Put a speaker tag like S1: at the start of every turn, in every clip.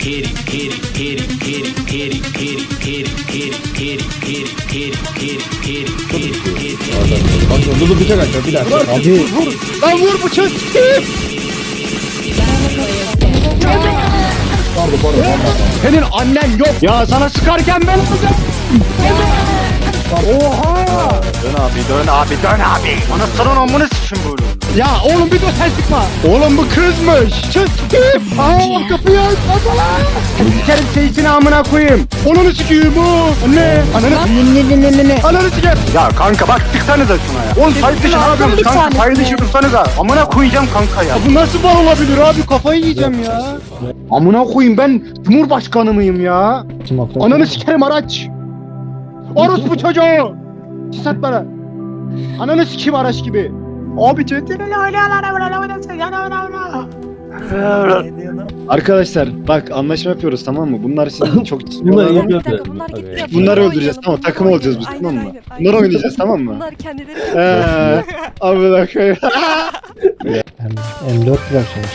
S1: Dur bıçak açacağım bir dakika. Abi. Vur. Lan vur bıçak. Pardon. Senin annen yok. Ya sana sıkarken ben olacağım. Oha! Dön abi. Anasının amını sıçın böyle. Ya oğlum bir dur sen sıkma. Oğlum bu kızmış. Çık. Aa kapıyı aç. Sikerim seyitini amına koyayım. Onunu sikiyim bu. Anne. Ne. Ananı siker. Ya kanka bak tıksanıza şuna ya. Oğlum sayı dışı ne yapıyorsunuz kanka? Sayı dışı dursanıza. Amına koyacağım kanka ya. Bu nasıl bal olabilir abi? Kafayı yiyeceğim ya. Amına koyayım ben Cumhurbaşkanı mıyım ya? Ananı sikerim araç. Orospu çocuğu. Sat bana. Ananı sikeyim araç gibi. Abi Arkadaşlar bak anlaşma yapıyoruz tamam mı? Bunlar sizin çok Bunları öldüreceğiz tamam takım olacağız biz tamam mı? Bunları oynayacağız tamam mı?
S2: Bunlar kendileri
S1: Amına koyayım.
S3: M4 bırakmış.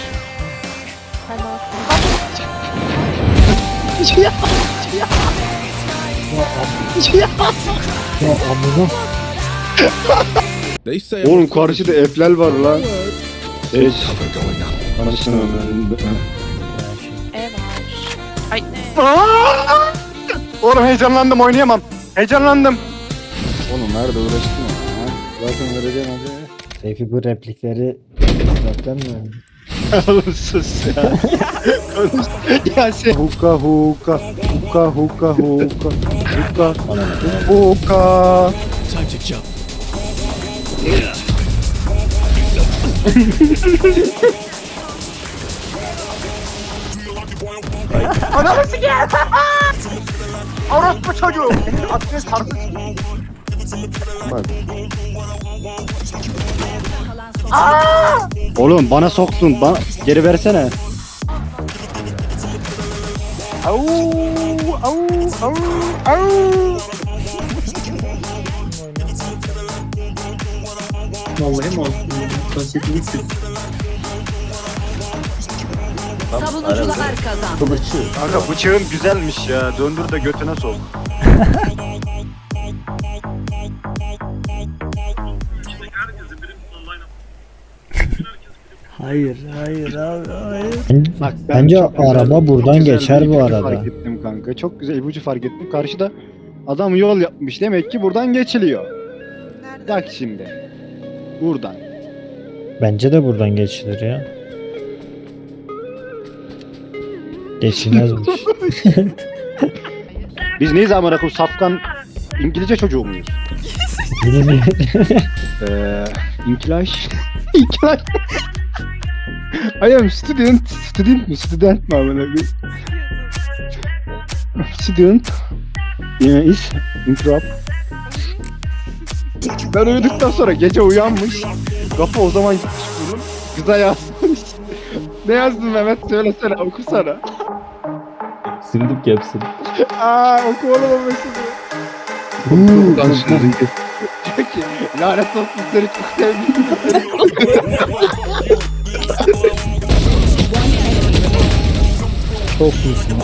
S3: Ya amına.
S1: Oğlum karşıda F'ler var lan. Evet. Karşıda.
S2: Ay.
S1: Oğlum heyecanlandım oynayamam. Heyecanlandım. Oğlum nerede uğraştın ya? Zaten vereceğim hadi.
S3: Seyfi bu replikleri zaten mi?
S1: Oğlum sus ya. Konuş. Ya sen. Huka. Ananı sikeyim. Orospu çocuğu. Aklını sarsın. Bak. Oğlum bana soktun. Geri versene. Au.
S4: Vallahi mi olsun? Konsept
S2: Savunucular kazandı.
S1: Kanka bıçağın güzelmiş ya. Döndür de götüne sok.
S4: Hayır abi hayır.
S1: Bak,
S3: Bence
S1: çok güzel-
S3: araba buradan
S1: çok güzel
S3: geçer
S1: bir
S3: bu
S1: ipucu
S3: arada.
S1: Fark ettim kanka. Çok güzel ipucu fark ettim. Karşıda adam yol yapmış. Demek ki buradan geçiliyor. Bak şimdi. Buradan.
S3: Bence de buradan geçilir ya. Geçilmezmiş.
S1: Biz neyiz amına koyayım? Safkan İngilizce çocuğu muyuz?
S3: Bilmiyorum.
S1: İnkilaş. İnkilaş. I am student. Student mi amına koyayım? Student. Is interrupt. Ben uyuduktan sonra gece uyanmış. Kafa o zaman gitmiş bunun. Kıza yazmış. Ne yazdın Mehmet? Söyle okusana.
S4: Sildik hepsini.
S1: Oku oğlum o mesajı. Diyor ki lanet olsun seni çok sevdim.
S3: Çok iyisin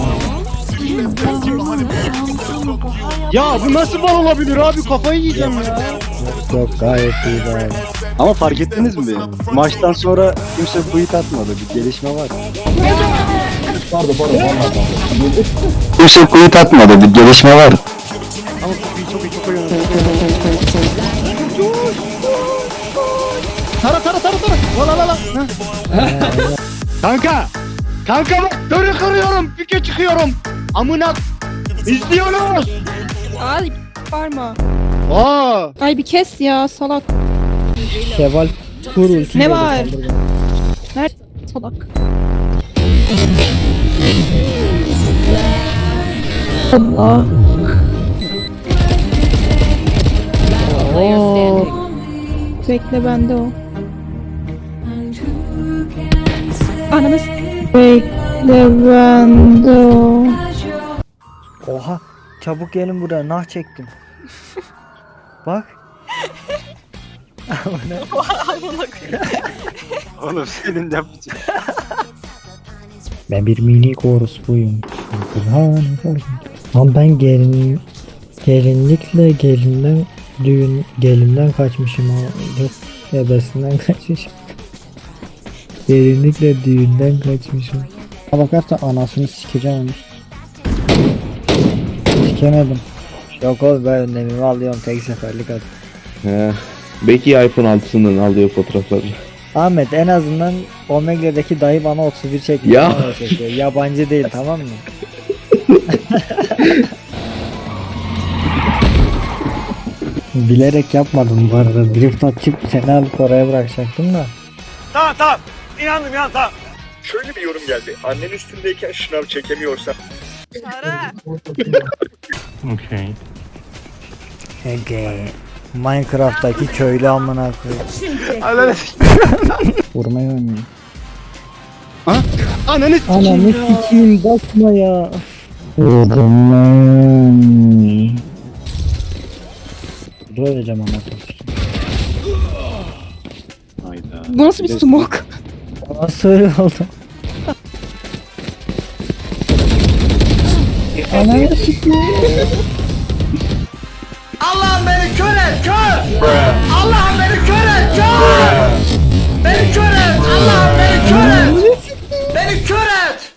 S1: Ya bu nasıl bal olabilir abi kafayı yiyeceğim ya.
S3: Yok gayet iyi gayet.
S1: Ama fark ettiniz mi? Maçtan sonra kimse tweet atmadı. Bir gelişme var.
S4: Pardon.
S1: Kimse tweet atmadı. Bir gelişme var. Ama çok iyi oynadı. Tara. La. Kanka bak dörü kırıyorum. Pike çıkıyorum. Amına izliyoruz.
S5: Ay bağırma.
S1: Aa.
S5: Bir kes ya salak.
S3: Keval kurulsun.
S5: Ne var? Nerede salak? Allah. Oo. Bekle bende o. Ananı bekle bende o.
S6: Oha çabuk gelin buraya nah çektim. Bak.
S1: Oğlum senin de yapacağın.
S3: Ben bir minik orospuyum. Lan ben gelinlikle gelinden kaçmışım ha. Yok ebesinden kaçmışım. Gelinlikle düğünden kaçmışım. Ha bakarsan anasını sikeceğim. Sikemedim. Yok oğlum ben önlemimi alıyorum tek seferlik at.
S7: He. Belki iPhone 6'sından alıyor fotoğrafları.
S3: Ahmet en azından Omega'daki dayı bana 31 çekmiş.
S7: Ya.
S3: Bana çekiyor. Yabancı değil tamam mı? Bilerek yapmadım bu arada. Drift açıp seni alıp oraya bırakacaktım da.
S1: Tamam. İnandım ya tamam.
S8: Şöyle bir yorum geldi. Annen üstündeyken şınav çekemiyorsan
S1: Okey.
S3: Ege. Minecraft'taki köylü amına koyayım.
S1: Ananı
S3: Vurmayı oynuyor.
S1: Ananı
S3: Ananı sikeyim bakma ya. Dur öleceğim anasını sikeyim.
S1: Hayda.
S5: Bu nasıl bir smoke?
S3: Nasıl öyle oldu? Ananı sikeyim.
S1: Allah'ım beni kör et kör! Allah'ım beni kör et kör! Beni kör et! Allah'ım beni kör et! Beni kör et!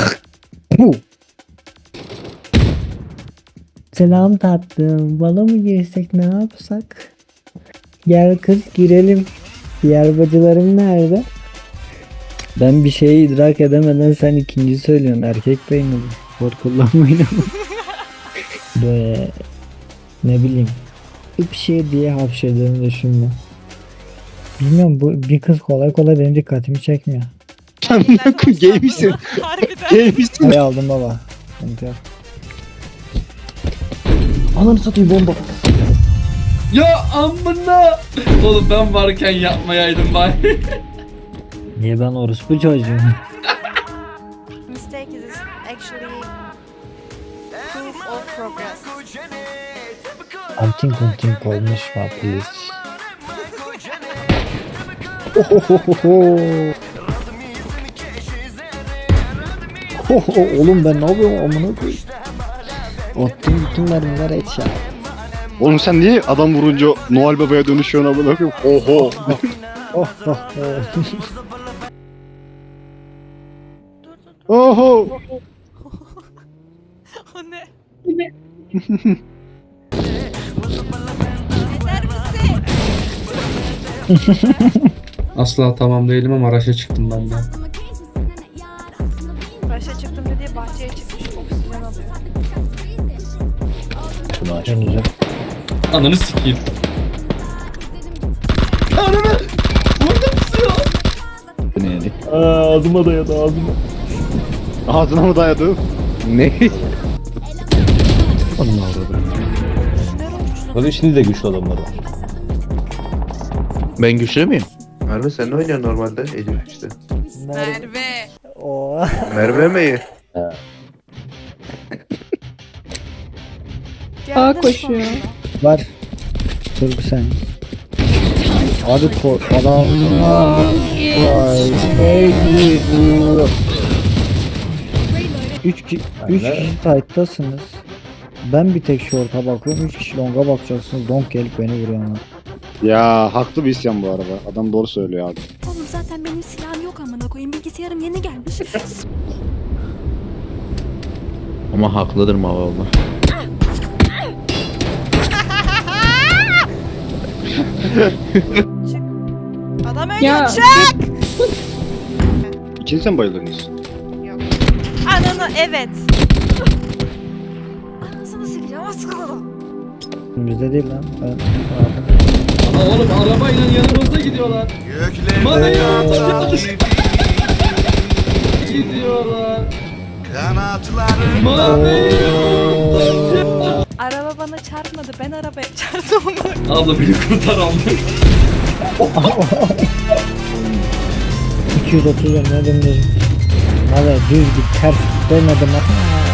S3: Selam tatlım. Bala mı girsek ne yapsak? Gel kız girelim. Diğer bacılarım nerede? Ben bir şeyi idrak edemeden sen ikinci söylüyorsun. Erkek beyni bu. Spor kullanmayın ama. Böyle ne bileyim. Bir şey diye hapşırdığını düşünme. Bilmiyorum bu bir kız kolay kolay benim dikkatimi çekmiyor.
S1: Sen ne koy gay misin?
S2: Harbiden.
S1: Gay misin?
S3: Parayı aldım baba. Sıkıntı yok. Ananı satayım bomba.
S4: Ya amına. Oğlum ben varken yapmayaydım bari.
S3: Niye ben orospu çocuğum?
S2: Mistake is actually proof of progress.
S3: Antin kuntin koymuş var please. Oğlum ben ne yapıyorum amına koyayım. Attım bütün mermiler et ya.
S1: Oğlum sen niye adam vurunca Noel Baba'ya dönüşüyorsun amına koyayım? Oho.
S3: Oh oh oh.
S1: Oho.
S2: O ne? Yeter misin?
S4: Asla tamam değilim ama araşa çıktım ben de.
S2: Başa çıktım dediği bahçeye çıkmış. Oksijen alıyor.
S3: Deneyeceğim.
S4: Ananı sikeyim. Ananı! Vurdum suya! Ağzıma dayadı ağzıma.
S1: Ağzına mı dayadı?
S7: Ne?
S3: Onun avradı.
S7: Tabii şimdi de güçlü adamlar var. Ben güçlü müyüm? Merve sen ne oynuyorsun normalde? Elif işte.
S2: Merve.
S3: Oo.
S7: Merve mi?
S5: Aa koşuyor.
S3: Var. Dur bir saniye. Abi ko adam. Vay. Üç kişi tight'tasınız. Ben bir tek short'a bakıyorum. 3 kişi long'a bakacaksınız. Long gelip beni vuruyor ama.
S1: Ya haklı bir isyan bu arada. Adam doğru söylüyor abi.
S9: Oğlum zaten benim silahım yok amına koyayım. Bilgisayarım yeni gelmiş.
S7: Ama haklıdır mı valla?
S2: Çık. Adam ölüyor.
S5: Ya.
S2: Çık.
S1: İkiniz de mi bayıldınız?
S2: Yok. Ananı evet. Anasını sikeceğim az kaldı.
S3: Bizde değil lan. Ben
S4: Aa, oğlum arabayla yanımızda gidiyorlar. Bana yanımızda gidiyorlar.
S2: Araba bana çarpmadı. Ben arabaya çarptım onu.
S4: Abla beni kurtar abla.
S3: 230 önüne döndüm. Valla düz git ters git demedim ama.